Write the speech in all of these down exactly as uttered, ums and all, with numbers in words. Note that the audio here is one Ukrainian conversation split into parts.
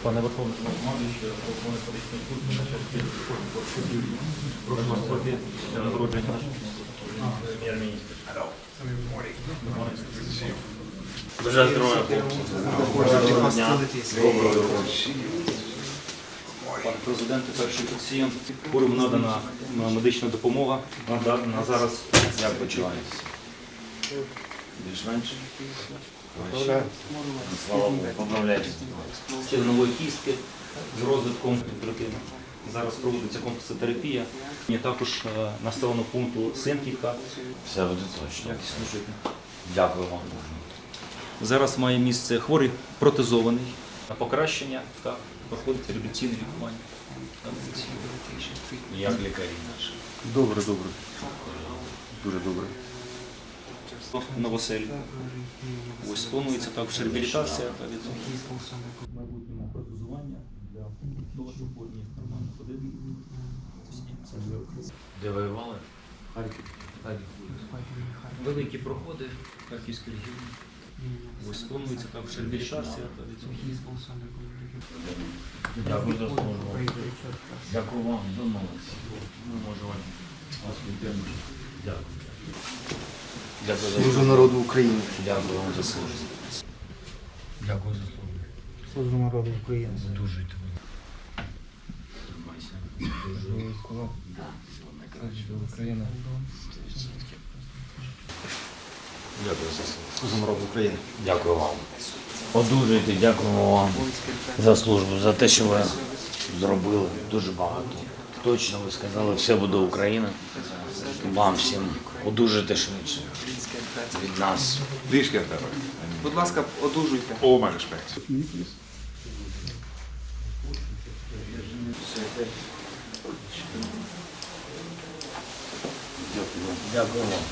Пане Верховний Головнокомандуючий, Верховний політичний суд, на час прошу вас пройти нагородження нашого прем'єр-міністра. Бажаю здоров'я, хлопці. Доброго дня. Доброго дня. Пане президенте, перший пацієнт. Хворим надана медична допомога. На зараз Як почуваєтеся? Більш-менш? Слава Богу, поправляйтесь. стегнової кістки з розвитком дитини. Зараз проводиться комплексотерапія. І також е, населеного пункту Синківка. Все буде точно. Якісно жити. Дякую вам. Зараз має місце хворий протезований. На покращення та проходить реабілітаційне лікування. Як лікарі наші? Добре, добре. Дуже добре. Новосель. Ось планується також реабілітація та відновлення. В майбутньому протезування для того, щоб хворі нормально ходити. Де воювали? Харків. Великі проходи Харківської регіону. Ось планується також реабілітація та відновлення. Дякую за службу. Дякую вам. Домовилися. Ми можемо вас підтримати. Дякую. Дякую за Служу службу. народу України. Дякую вам за службу. Дякую за службу. Служу народу України. Одужуйте ви. Тримайся. Одужуй. Україна. Дякую за службу. Служу народу України. Дякую вам. Одужуйте, дякуємо вам за службу, за те, що ви зробили дуже багато. Точно ви сказали, все буде Україна. Вам всім одужуйте швидше від нас. Please get better. Будь ласка, одужуйте. All my respect. Дякую вам.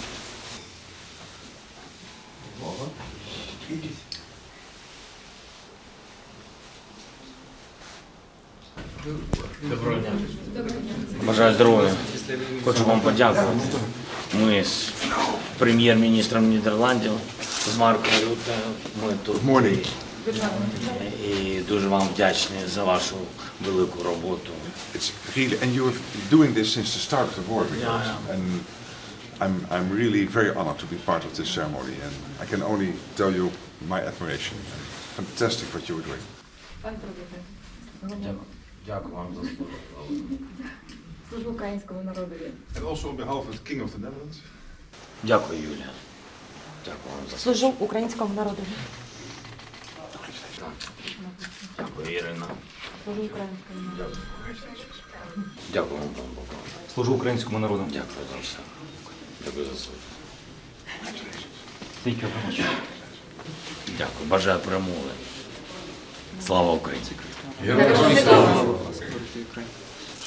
Доброго дня. Бажаю здоров'я. Хочу вам подякувати. Ми з прем'єр-міністром Нідерландів, з Марком Рюте, ми тут. Morning. І дуже вам вдячні за вашу велику роботу. It's really, and you have been doing this since the start of the war, because, Yeah, and I'm I'm really very honored to be part of this ceremony, and I can only tell you my admiration. Fantastic what you were doing. Пан президент, Дякую. Дякую вам за службу. служу українському народові. And also on behalf of the King of the Netherlands. Дякую, Юлія. Дякую вам за службу. Служу українському народові. Дякую, Ірина. Служу українському народові. Дякую вам, пан Богдан. Служу українському народу. Дякую за все. Дякую за службу. Thank you very much. Дякую. Бажаю перемоги. Слава Україні. Героям слава!